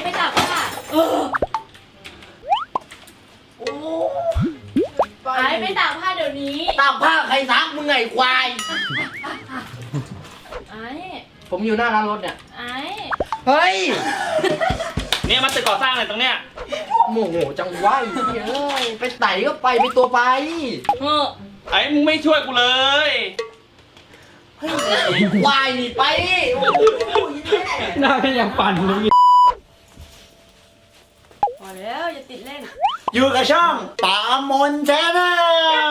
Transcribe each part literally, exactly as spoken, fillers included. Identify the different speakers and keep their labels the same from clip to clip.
Speaker 1: ไปตากผ้าเออโอ้ไอ้ไปตากผ้าเดี๋ยวนี้
Speaker 2: ตากผ้าใครซักมึงไงควาย
Speaker 1: ไอ้
Speaker 2: ผมอยู่หน้าร้านรถเนี่ย
Speaker 1: ไอ้
Speaker 2: เฮ้ย
Speaker 3: เนี่ยมันตึกก่อสร้างอะไรตรงเนี้ย
Speaker 2: โมโหจังวะเฮ้ยไปไหนก็ไปไปตัวไป
Speaker 1: เฮ้อ
Speaker 3: ไอ้มึงไม่ช่วยกูเลย
Speaker 2: เฮ้ยวายหนีไปโอ้โห
Speaker 4: หน้าก็ยังปั่นเลย
Speaker 1: พอแล้วอย่าติดเล่น
Speaker 2: อยู่กับช่องป่ามนแชนแนล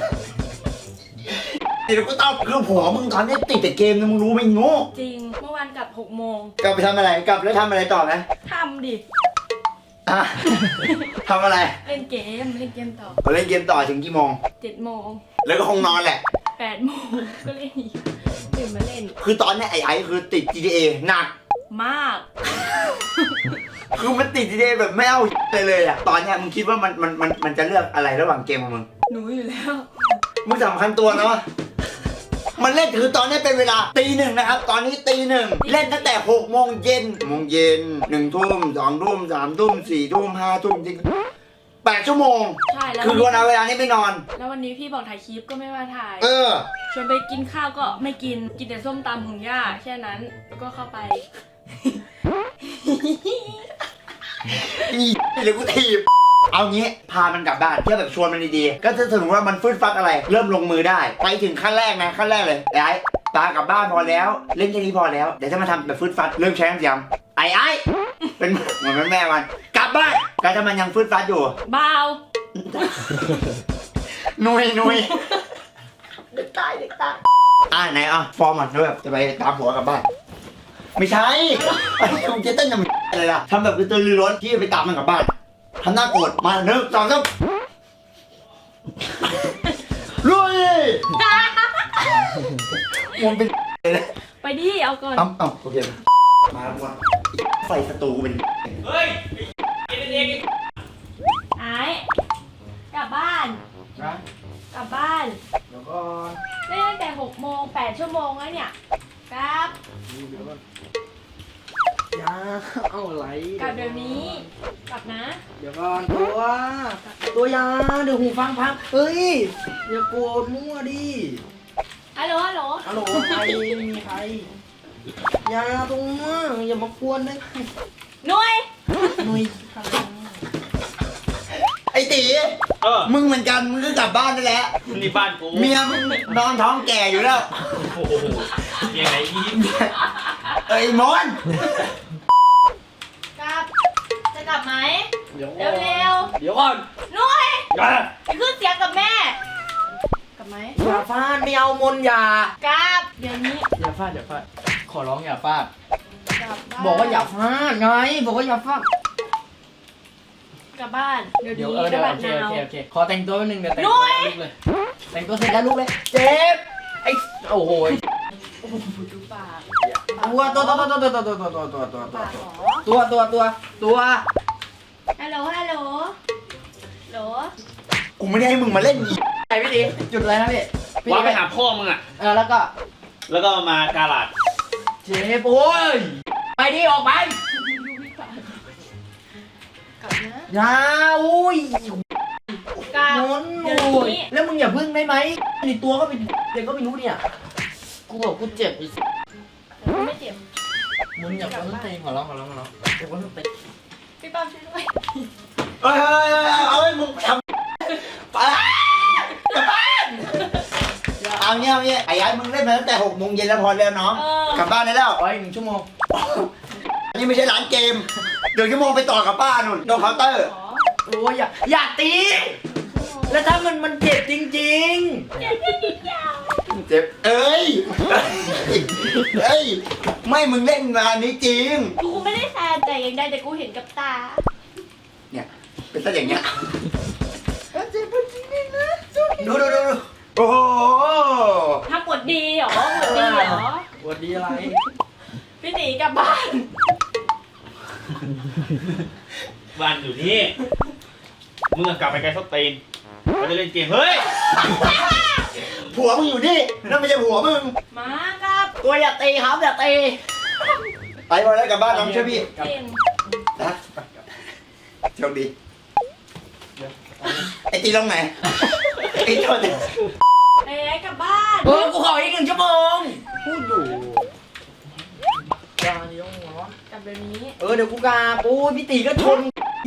Speaker 2: เดี๋ยวกูตอบคือผัวมึงตอนนี้ติดแต่เกมนะมึงรู้ไหมโง่
Speaker 1: จริงเมื่อวานกลับหกโมง
Speaker 2: กลับไปทำอะไรกลับแล้วทำอะไรต่อไหม
Speaker 1: ทำดิ
Speaker 2: ทำอะไร
Speaker 1: เล่นเกมเล่นเกมต่อ
Speaker 2: เล่นเกมต่อถึงกี่โมง
Speaker 1: เจ็ดโมง
Speaker 2: แล้วก็คงนอนแหละ
Speaker 1: แปดโมงก็เล่นอีกตื่นมาเล่น
Speaker 2: คือตอนนี้ไอ้ไอ้คือติด จี ที เอ หนัก
Speaker 1: มาก
Speaker 2: คือมันติด จี ที เอ แบบไม่เอาเลยเลยอะตอนนี้มึงคิดว่ามันมันมันมันจะเลือกอะไรระหว่างเกมของมึง
Speaker 1: หนูอยู่แล้ว
Speaker 2: มึงสำคัญตัวเนาะมันเล่นคือตอนนี้เป็นเวลาตีหนึ่งนะครับตอนนี้ตีหนึ่งเล่นตั้งแต่หกโมงเย็นโมงเย็นหนึ่งทุ่มสองทุ่มสามทุ่มสี่ทุ่มห้าทุ่มจริงแปดชั่วโมง
Speaker 1: ใช่แล้ว
Speaker 2: คือวันเอาเวลานี้ไปนอน
Speaker 1: แล้ววันนี้พี่บอกถ่ายคลิปก็ไม่มาถ่าย
Speaker 2: เออ
Speaker 1: ชวนไปกินข้าวก็ไม่กินกินแต่ส้มตำของย่าแค่นั้นแล้วก็เข้าไป
Speaker 2: อีหรือกูถีบเอางี้พามันกลับบ้านเที่ยวแบบชวนมันดีๆก็จะสรุปว่ามันฟื้นฟักอะไรเริ่มลงมือได้ไปถึงขั้นแรกนะขั้นแรกเลยไอ้ตากลับบ้านพอแล้วเล่นแค่นี้พอแล้วเดี๋ยวจะมาทำแบบฟื้นฟัดเริ่มใช้น้ำยำไอ้ไอ้เป็นเหมือนแม่มันกลับบ้านก็จะมันยังฟื้นฟัดอยู่
Speaker 1: เบา
Speaker 2: หนุยหนุยเด็กตายเด็กตายอ่าไหนอ่ะฟอร์มมันด้วยจะไปตามผัวกลับบ้านไม่ใช่ไอ้ผมจะเต้นยังอะไรล่ะทำแบบกระตือรือร้นที่ไปตามมันกลับบ้านทำหน้าโกรธมาหนึ่งสองสามลุยมันเป็น
Speaker 1: ไปดิเอาก่อน
Speaker 2: อ้ำอ้ำโอเคมาแล้วว่าไฟศัตรูเป็น
Speaker 3: เฮ้ยไอ้เด็ก
Speaker 1: ไอ้กลับบ้าน
Speaker 2: นะ
Speaker 1: กลับบ้าน
Speaker 2: เดี๋ยวก็
Speaker 1: เล่นตั้งแต่หกโมงแปดชั่วโมงแล้วเนี่ยครับ
Speaker 2: ยาเอาอะไร
Speaker 1: กลับเดี๋ยวนี้กลับนะ
Speaker 2: เดี๋ยวก่อนตัวตัวยาเดี๋ยวหูฟังพังเฮ้ยอย่าโกรธมั่วดิ
Speaker 1: ฮัลโหลฮัลโหล
Speaker 2: ฮัลโหลใครมีใครยาตรงมั่วอย่ามากวนได้ไหม
Speaker 1: หนุ่ย
Speaker 2: หนุ่ยไอ้ตี
Speaker 3: เออ
Speaker 2: มึงเหมือนกันมึงก็กลับบ้านได้แล้ว
Speaker 3: นี่บ้านกู
Speaker 2: เมียมึงนอนท้องแก่อยู่แล้ว
Speaker 3: โอ้โหเมียไหนยิ้ม
Speaker 2: เอ้ยมอน
Speaker 1: กลับจะกลับไหม
Speaker 2: เร็ว
Speaker 1: เร็ว
Speaker 2: เดี๋ยวก่อน
Speaker 1: หนุ่ยจะขึ้นเสียงกับแม่กลับไหม
Speaker 2: อย่าฟาดไม่เอามนอย่าก
Speaker 1: ลับเดี๋ยวนี้
Speaker 2: อย่าฟาดอย่าฟาดขอร้องอย่าฟาดบอกว่าอย่าฟาดไงบอกว่าอย่าฟาด
Speaker 1: กลับบ้านเดี๋ยว
Speaker 2: เดี๋ยว
Speaker 1: นี้
Speaker 2: เออเดี๋ยวโอเคโอเคโอเคขอแต่งตัวแป๊บนึงเดี๋ยวแต่งตัวลุกเลยแต่งตัวเสร็จแล้วลุกเลยเจ็บไอ้โอ้โห
Speaker 1: ดูปาก
Speaker 2: ตัวตัวตัวตัวตัวตัวตัวตัวตัวตัวตัวตัวตัวตัว
Speaker 1: ฮัลโหลฮัลโหลโหล
Speaker 2: กูไม่ได้ให้มึงมาเล่นอีไอ้พี่ดีจุดอะไรนะพี่
Speaker 3: ว่าไปหาพ่อมึงอ่ะ
Speaker 2: เออแล้วก็
Speaker 3: แล้วก็มากาลาด
Speaker 2: เจ็บโอ้ยไปดิออกไป
Speaker 1: กลับนะ
Speaker 2: ยาอุ้ย
Speaker 1: กลับ
Speaker 2: โอ้ยแล้วมึงอย่าพึ่งได้ไหมในตัวก็เป็นเด็กก็ไม่รู้เนี่ยกูบอกกูเจ็บอีก
Speaker 1: ไม่เจ็บ
Speaker 2: มึงอย่าพึ่งตีขอร้องขอร้องขอร้องเดี๋ยวพึ่งตี
Speaker 1: พี่ป้อมช่วยด้วย
Speaker 2: เฮ้ยเอาไอ้มึงทำไปกลับบ้านเอาเงี้ยเอาเงี้ยไอ้ยัยมึงเล่นมาตั้งแต่หกโมงเย็นแล้วพอแล้วน้องกลับบ้านได้แล้วไปหนึ่งชั่วโมงอันนี้ไม่ใช่ร้านเกมเดี๋ยวชั่วโมงไปต่อกับป้านุ่นโดนเคาน์เตอร์โอ้ยอย่าอย่าตีแล้วถ้ามันมันเจ็บจริงๆเจ็บจริงๆเจ็บเอ้ยเอ้ยไม่มึงเล่นงานนี้จริง
Speaker 1: กูไม่ได้แซมแต่ยังได้แต่กูเห็นกับตา
Speaker 2: เนี่ยเป็นซะอย่างเงี้ยเจ็บจริงๆนะดูดูดูโอ้โห
Speaker 1: ถ้าปวดดีเหรอปวดดีเหรอ
Speaker 2: ปวดดีอะไร
Speaker 1: พี่หนีกลับบ้าน
Speaker 3: บ้านอยู่นี่มึงกลับไปไกลสตีนเราจะเล่นเกมเฮ้ย
Speaker 2: ผัวมึงอยู่นี่นั่นไม่ใช่ผัวมึง
Speaker 1: มาครับ
Speaker 2: ตัวอย่าตีครับอย่าตีไปพอแล้วกลับบ้านน้องช่วยพี่นะโชคดีไอ้ตีตรงไหนไอ้โทษ
Speaker 1: เอ้ยกลับบ้าน
Speaker 2: เออกูขออีกหนึ่งชั่วโมง
Speaker 4: พูดอยู่ยาเลี้ยงหัว
Speaker 1: กลับเดี๋ยวนี้
Speaker 4: เออเดี๋ยวกูกาปูพี่ตีก็ชน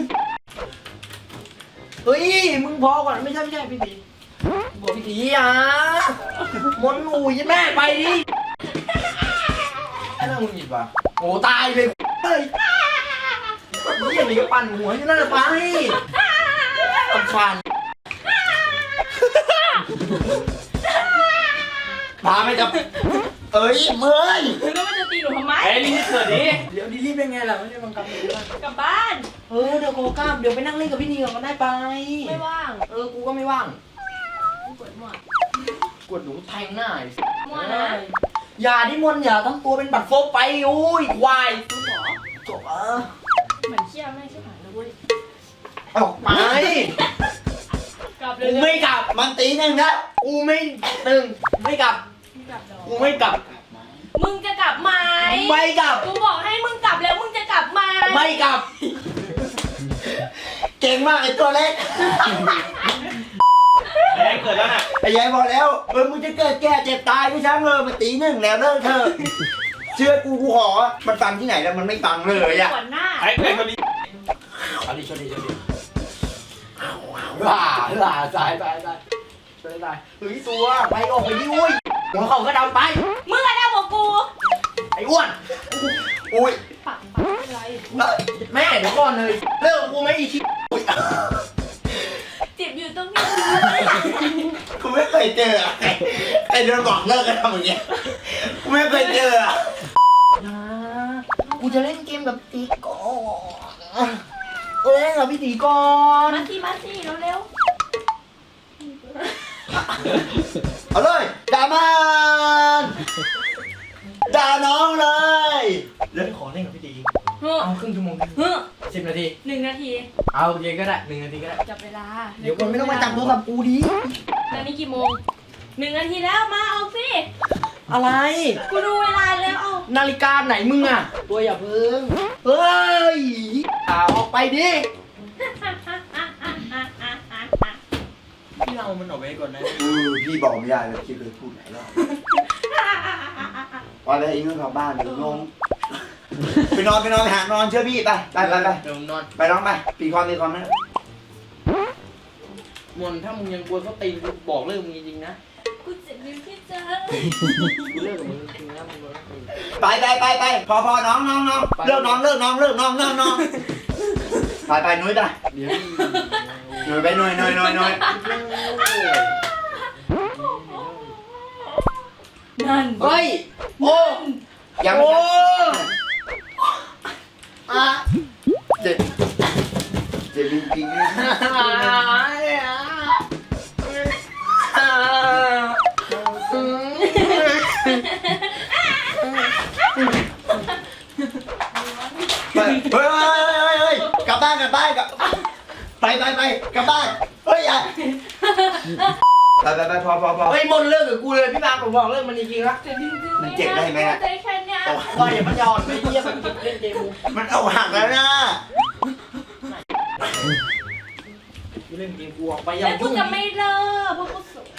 Speaker 4: เฮ้ยมึงพอก่อนไม่ใช่ไม่ใช่พี่ตีบอกพี่ตีอ่ะมนอูยแม่ไปดิไอ้นั่นมึงหยิบว่ะโอ้ตายเลยเฮ้ยนี่อย่างนี้ก็ปั่นหัวอยู่นั่นแหละไปตำฟัน
Speaker 2: พาไม่จับเอ้ยเมื่อย
Speaker 1: มึงก็ไม่จะตีหนูทำไม
Speaker 3: ไอ้นี่เกิดดิ
Speaker 4: เดี๋ยวดีรีบเป็นไงล่ะไม่ได้บังคับเลยว่าก
Speaker 1: ลับบ้าน
Speaker 4: เออเดี๋ยวโกกล้ามเดี๋ยวไปนั่งเล่นกับพี่นีก่อนก็ได้ไป
Speaker 1: ไม่ว่าง
Speaker 4: เออกูก็ไม่ว่าง
Speaker 1: กูปวดหัว
Speaker 4: กดหนูแทงหน้าไอ้
Speaker 1: มั่วนะ
Speaker 4: อย่าดิมนอย่าทั้งตัวเป็นบัตรโฟกไปโอ้ยควาย
Speaker 1: กูขอ
Speaker 4: จบเออ
Speaker 1: เหมือนเชี่ยแม่งชิบหายเลยเว้ย
Speaker 4: ออกไป
Speaker 1: กลับเล
Speaker 4: กู
Speaker 1: ย
Speaker 4: ไม่กลับ
Speaker 2: มันตีหนึ่งแล้ว
Speaker 4: กูไม่ตึงไม่กลับ
Speaker 1: ไม่กลับดอก
Speaker 4: กูไม่กลับ
Speaker 1: มึงจะกลับไหม
Speaker 4: ไม่กลับ
Speaker 1: กูบอกให้มึงกลับแล้วมึงจะกลับไหม
Speaker 4: ไม่กลับ
Speaker 2: เก่งมากไอ้ตัวเล็ก
Speaker 3: ไอ้เกิดแล้วน่ะ
Speaker 2: ไอ้ยายบอกแล้วเออมึงจะเกิดแก่เจ็บตายไม่ช่างเลยมันตีหนึ่งแล้วเลิกเถอะเชื่อกูกูขอมันฟังที่ไหนแล้วมันไม่ฟังเลยอ่ะ
Speaker 1: ปวดหน้า
Speaker 3: ไอ้ไอ้คนนี้
Speaker 4: เอาดิชนดิชนดิว้าว้าตายตายตายตายตายเฮ้ยตัวไปออกไปดิอุ้ยหัวเข่าก็ดำไป
Speaker 1: มึงอะไรบอกกู
Speaker 4: ไอ้อ้วน
Speaker 2: อุ้ย
Speaker 1: ปักปักอะไร
Speaker 4: แม่เดี๋ยวก่อนเลยเลิกกูไม่อีกที
Speaker 1: เจ็บอยู่ตรงนี้
Speaker 2: กูไม่เคยเจออะไอ้เดินบอกเลิกกันทำอย่างเงี้ยกูไม่เคยเจออะ
Speaker 4: นะกูจะเล่นเกมกับตีก่อนเอ้ยกับพี่ตีก่อน
Speaker 1: มาสิมาสิเร็ว
Speaker 2: เอาเลยด่ามันด่าน้องเลย
Speaker 4: เล่นขอเล่นกับพี่ตี
Speaker 1: ๆเฮ้อ
Speaker 4: เอาครึ่งชั่วโมง
Speaker 1: เฮ้อ
Speaker 4: สิบนาที
Speaker 1: หนึ่งนาที
Speaker 4: เอาโอเคก็ได้หนึ่งนาทีก็ได้
Speaker 1: จับเวลา
Speaker 4: เดี๋ยวคนไม่ต้องมาจับโทรศัพท์กูดิ
Speaker 1: ตอนนี้กี่โมงหนึ่งนาทีแล้วมาเอาสิ
Speaker 4: อะไร
Speaker 1: กูดูเวลาแล้วเอา
Speaker 4: นาฬิกาไหนมึงอ่ะ ตัวอย่าเพิ่ง เฮ้ยอ่าออกไปดิพี่เรามันออกไปก่อนนะ
Speaker 2: เออพี่บอกไม่ได้เลยคิดเลยพูดหลายรอบพอแล้วไอ้นู่นกลับบ้านเดี๋ยวลงไปนอนไปนอนไปหานอนเชื่อพี่ไปไปไปไป
Speaker 4: เดี๋ยวมึงนอน
Speaker 2: ไปน้องไปปีความปีความนะ
Speaker 4: มนถ้ามึงยังกลัวเขาตีกูบอกเลิกมึงจริงๆนะ
Speaker 1: กูเจ็บนิ้วที่เจอ
Speaker 4: กูเลิกกับมึงจริงๆนะมึงโดนตี
Speaker 2: ไปไปไปไปพอพอน้องน้องน้องเลิกน้องเลิกน้องเลิกน้องเลิกน้องไปไปนุ้ยไป
Speaker 4: เดี๋ยว
Speaker 2: หน่อยไปหน่อยหน่อยหน่อยหน่อย
Speaker 1: นั่น
Speaker 4: เฮ้ย โอ้
Speaker 2: ยังไม่
Speaker 4: โอ้
Speaker 2: อ่ะเจ็บเจ็บจริงๆนะไปเฮ้ยเฮ้ยเฮ้ยเฮ้ยกลับบ้านกลับบ้านกลับไปไปไปกลับบ้านเฮ้ยอย่าไปไปไปพอพอพอ
Speaker 4: เฮ้ยมนเลิกกับกูเลยพี่บางผมบอกเลิกมันจริงๆนะ
Speaker 1: เจ็บจริงๆ
Speaker 2: มันเจ็บได้ไหมอะ
Speaker 1: ใจแค่เนี้ย
Speaker 4: ว่าอย่ามันยอนไม่เยี่ยมมันเล่นเกมกู
Speaker 2: มันเอาหักแล้วนะ
Speaker 4: กูเล่นเกมกูออกไปอย่า
Speaker 1: แล้วกู
Speaker 4: ยุ่ง
Speaker 1: จะไม่เลิกเพราะกูสวย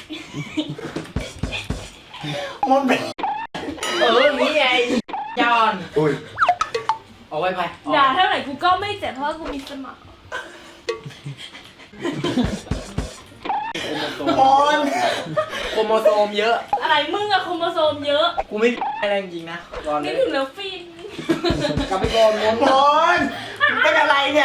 Speaker 2: มันเป็น
Speaker 4: เอออย่างนี้ไงยอน
Speaker 2: อุ้ย
Speaker 4: เอาไว้ไปเอา
Speaker 1: ด่า
Speaker 4: ไว้
Speaker 1: เท่าไหร่กูก็ไม่เจ็บเพราะว่ากูมีสมอง
Speaker 2: มอน
Speaker 4: โครโมโซมเยอะ
Speaker 1: อะไรมึงอะโครโมโซมเยอะ
Speaker 4: กูไม่อะไรจริงๆนะก่อนเล
Speaker 1: นี่
Speaker 4: ย
Speaker 1: ถึงแล้วฟิน
Speaker 4: กลับไปก่อนมน
Speaker 2: มอนเป็นอะไรเนี่ย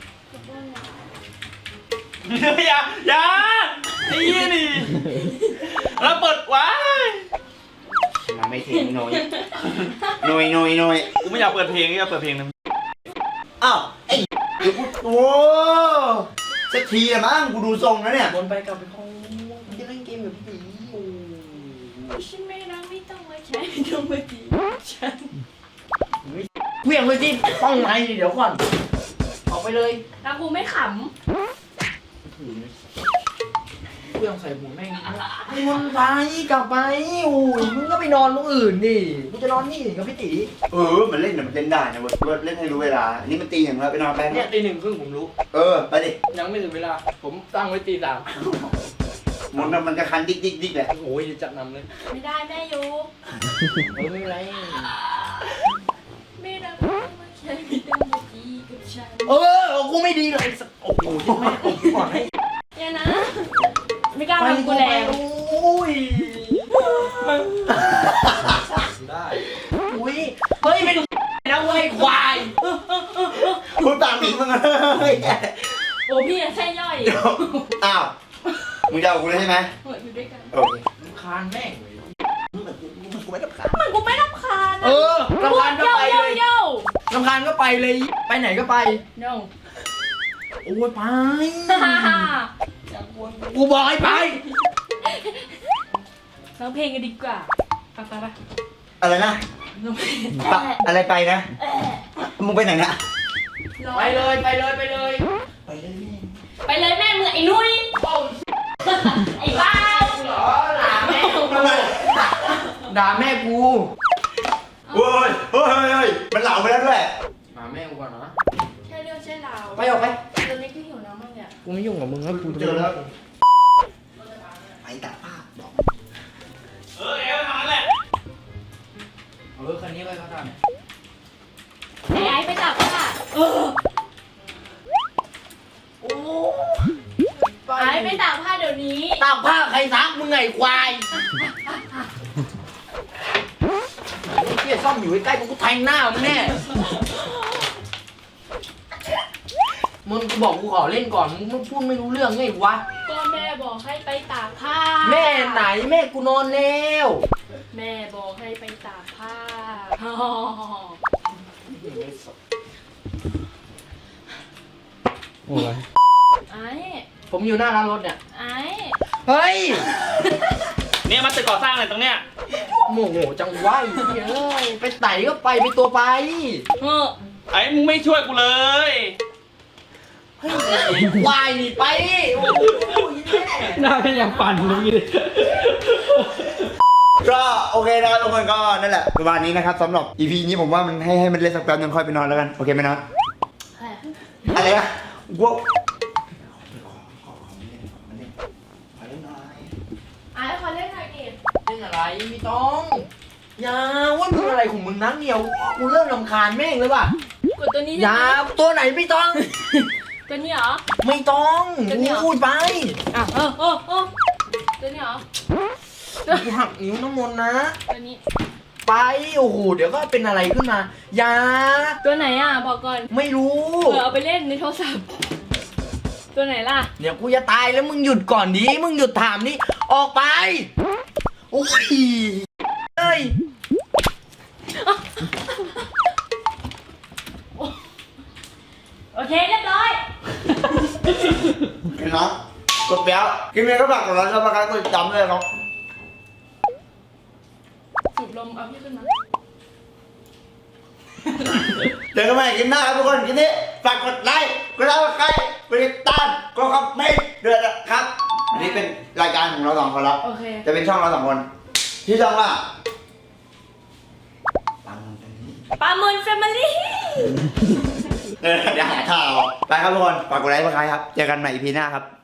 Speaker 3: อย่าอย่าไอ้ยี่นี่แล้วเปิดว้าย
Speaker 2: มาไม่ถึงหน่อยหน่อยหน่อยหน่อย
Speaker 3: กูไม่อยากเปิดเพลงอยากเปิดเพลงนะ
Speaker 2: อ้าวไอ้เดี๋ยวกูโอ้สักทีละมั้งกูดูทรงแล้วเนี่ย
Speaker 4: มนไปกลับไปห้องมันจะเล่นเกมแบบผีอยู่
Speaker 1: ฉันไม่รักไม่ต้องมาใช้ไม่ต้องมาจีบฉัน
Speaker 4: เวี่ยงเลยที่ห้องไหนเดี๋ยวก่อนออกไปเลย
Speaker 1: แล้วกูไม่ข
Speaker 4: กูรื่องใส่หัวแม่งมึงไปกลับไปโอ้ยมึงก็ไปนอนตรงอื่นดิมึงจะนอนนี่กับพี่ตี
Speaker 2: เออมันเล่นเนี่ยมันเล่นได้นะเว้ยเล่นให้รู้เวลาอันนี้มันตีอย่างเราไปนอนไป
Speaker 4: เนี่ยตีหนึ่งครึ่งผมรู้
Speaker 2: เออไปดิ
Speaker 4: ยังไม่ถึงเวลาผมตั้งไว้ตีสาม
Speaker 2: มันมันจะคันดิ๊กดิ๊กดิ๊กแหละ
Speaker 4: โอ้ยจัดนำเลย
Speaker 1: ไม่ได้แม่อยู่
Speaker 4: เออไม่เป็นไร
Speaker 1: ไม่รักไม่ใช่ไม่ต้องมาดีกับฉัน
Speaker 4: เออกูไม่ดีเลยโอ้โหแม่โอ้ยก่อนให้
Speaker 1: เนี่ยนะ ไม่กล้าทำกูแรง
Speaker 4: โอ้ยได้อุ้ยเฮ้ยเป็นนะเว้ยควาย
Speaker 2: กูตามหนีมึงเลย
Speaker 1: โอ้พี่อะใช่ย่อย
Speaker 2: อ้าวมึงจะเอากูเลยใช่ไหม
Speaker 1: เหมือนอยู่ด้วยกัน
Speaker 2: โอเค
Speaker 4: คานแม่ง
Speaker 2: มึงเหมือนกูมึงกูไม่ต้องการ
Speaker 1: เหมือนกูไม่รำคาญ
Speaker 4: เอ
Speaker 1: นะ
Speaker 4: อรำคาญก็
Speaker 1: โย่
Speaker 4: ไป
Speaker 1: โย่
Speaker 4: เลย
Speaker 1: โย่
Speaker 4: รำคาญก็ไปเลยไปไหนก็ไป
Speaker 1: no
Speaker 4: โอ้ยไป
Speaker 1: ฮ่าฮ่า
Speaker 4: กูบอกให้ไป
Speaker 1: ร้องเพลงกันดีกว่าไปไปไป
Speaker 2: อะไรนะ
Speaker 1: ร้องเพลง
Speaker 2: ปะอะไรไปนะมึงไปไหนนะ
Speaker 4: ไปเลยไปเลยไปเลย
Speaker 2: ไปเลย
Speaker 1: ไปเลยแม่มึงไอ้นุ้ยไอ้บ้า
Speaker 4: เหรอด่าแม่กูด่าแม่กู
Speaker 2: โอ้ยเฮ้ยเฮ้ยมันเหลาไปแล้วด้วย
Speaker 4: ด่าแม่กูก่อนนะ
Speaker 1: ใช่เรื่องใช่ราว
Speaker 4: ไปออกไป
Speaker 1: ตอนนี้ก็หิวน้ำมากเนี่ย
Speaker 4: กูไม่ยุ่งกับมึงแล้วกู
Speaker 2: เจอแล้วไปตัดภาพบอก
Speaker 3: เออเอวทำนั่นแหละ
Speaker 4: เออคันนี้ไปเขาทำ
Speaker 1: ไอ้ไอ้ไปจับผ้าเออ
Speaker 4: โอ้
Speaker 1: ไอ้ไปตากผ้าเดี๋ยวนี้
Speaker 4: ตากผ้าใครซักมึงไงควายเที่ยซ่อมอยู่ใกล้ๆกูกูแทงหน้ามึงแน่มึงกูบอกกูขอเล่นก่อนมึงพูดไม่รู้เรื่องไงวะ
Speaker 1: ก็แม่บอกให้ไปตากผ้า
Speaker 4: แม่ไหนแม่กูนอนแล้ว
Speaker 1: แม่บอกให้ไปตากผ้า
Speaker 4: โอ้ย
Speaker 1: ไอ้
Speaker 4: ผมอยู่หน้าร้านรถเนี่ย
Speaker 1: ไอ้
Speaker 4: เฮ้ย
Speaker 3: เนี่ยมันตึกก่อสร้างอะไรตรงเนี้ย
Speaker 4: โมโหจังวะไอ้เหี้ยเอ้ยไปไหนก็ไปไปตัวไป
Speaker 1: เออ
Speaker 3: ไอ้มึงไม่ช่วยกูเลย
Speaker 4: เฮ้ยวายนี่ไปโอ้โหแม่
Speaker 5: หน้าก็ยังปั่นเลย
Speaker 2: ก็โอเคนะครับทุกคนก็นั่นแหละประมาณนี้นะครับสำหรับ อี พี นี้ผมว่ามันให้ให้มันเล่นสักแป๊บนึงค่อยไปนอนแล้วกันโอเคไหมนะอะไรนะว้าว
Speaker 1: ไอ้ขอเล่นหน่อยดิ
Speaker 4: เล่นอะไรไม่ต้องอย่าว่ามึงอะไรของมึงนักเหนียวกูเริ่มรำคาญแม่งเลยว่ะ
Speaker 1: กดตัวนี้
Speaker 4: อย่าตัวไหนไม่ต้อง
Speaker 1: ตัวนี้เหรอ
Speaker 4: ไม่ต้อง
Speaker 1: ตัวนี้เหรอ
Speaker 4: พูดไป
Speaker 1: อ่ะเออเออเออตัวนี้เหรอ
Speaker 4: กูหักนิ้วน้ำมนต์นะ
Speaker 1: ตัวนี้
Speaker 4: ไปโอ้โหเดี๋ยวก็เป็นอะไรขึ้นมาอย่า
Speaker 1: ตัวไหนอ่ะบอกก่อน
Speaker 4: ไม่รู้
Speaker 1: เผื่อเอาไปเล่นในโทรศัพท์ ตัวไหนล่ะ
Speaker 4: เดี๋ยวกูจะตายแล้วมึงหยุดก่อนดิมึงหยุดถามนี่ออกไปโอ้ยเอ้ย
Speaker 1: โอเคเรียบร้อย
Speaker 2: เห็นเนาะกดเปี้ยวกินเมียก็ฝากกดไลค์แล้วมาการกดติดตามด้วยครับ
Speaker 1: สูบลมเอาพี่ขึ้นมา
Speaker 2: เดี๋ยวกันใหม่กินหน้าครับทุกคนกินนี้ฝากกดไลค์กดไลค์กดใกล้กดติดตามกดคอมเมนต์ด้วยนะครับอันนี้เป็นรายการของเราสองคนแล้ว
Speaker 1: โอเค
Speaker 2: จะเป็นช่องเราสองคนที่ช่องว่าปังตรงนี้
Speaker 1: ปลาหมึนแฟมิลี่
Speaker 2: เออเดี๋ยวหาข่าวไปครับทุกคนฝากกดไลค์กดใครครับเจอกันใหม่ อี พี หน้าครับ